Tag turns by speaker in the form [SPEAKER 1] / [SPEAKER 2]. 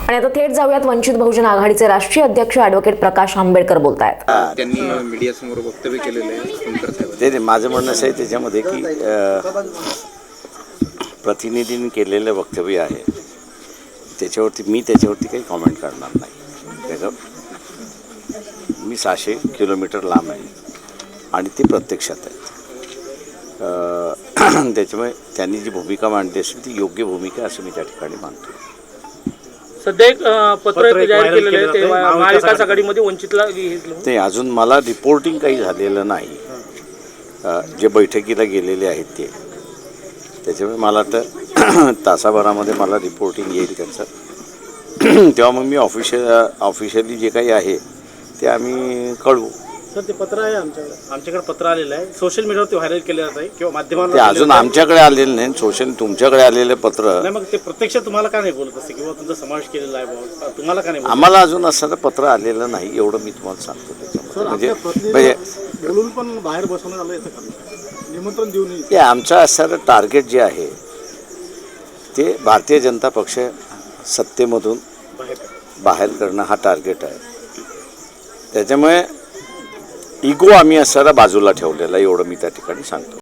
[SPEAKER 1] आणि आता थेट जाऊयात वंचित बहुजन आघाडीचे राष्ट्रीय अध्यक्ष ॲडव्होकेट प्रकाश आंबेडकर बोलतायत.
[SPEAKER 2] त्यांनी मीडियासमोर वक्तव्य केलेलं आहे.
[SPEAKER 3] ते माझं म्हणणं असं आहे त्याच्यामध्ये की प्रतिनिधींनी केलेलं वक्तव्य आहे त्याच्यावरती काही कॉमेंट करणार नाही. मी 600 किलोमीटर लांब आहे आणि ते प्रत्यक्षात आहेत. त्याच्यामुळे त्यांनी जी भूमिका मांडली असेल ती योग्य भूमिका असं मी त्या ठिकाणी मानतो.
[SPEAKER 4] सध्या एक पत्र जाहीर केलेलं आहे ते महाविकास आघाडीमध्ये वंचितला घेतलं.
[SPEAKER 3] ते अजून मला रिपोर्टिंग काही झालेलं नाही. जे बैठकीला गेलेले आहेत त्याच्यामुळे मला तर तासाभरामध्ये मला रिपोर्टिंग येईल त्यांचं. तेव्हा मग मी ऑफिशियली जे काही आहे ते आम्ही कळवू.
[SPEAKER 4] सर ते पत्र आहे आमच्याकडे पत्र आलेलं आहे, सोशल मीडियावरती व्हायरल केलं जात आहे किंवा माध्यमांवर.
[SPEAKER 3] ते अजून आमच्याकडे आलेलं नाही. तुमच्याकडे आलेलं पत्र
[SPEAKER 4] नाही, मग ते प्रत्यक्ष तुम्हाला का नाही बोलत असते किंवा तुमचा समावेश केलेला आहे बाबा, तुम्हाला का नाही बोलत?
[SPEAKER 3] आम्हाला अजून असं पत्र आलेलं नाही एवढं मी तुम्हाला सांगतो. त्याच्यामध्ये म्हणजे
[SPEAKER 4] बोलून पण बाहेर बसवण्यात आलं निमंत्रण देऊन
[SPEAKER 3] ते आमचं असणारं टार्गेट जे आहे ते भारतीय जनता पक्ष सत्तेमधून बाहेर करणं हा टार्गेट आहे. त्याच्यामुळे इगो आम्ही असणारा बाजूला ठेवलेला एवढं मी त्या ठिकाणी सांगतो.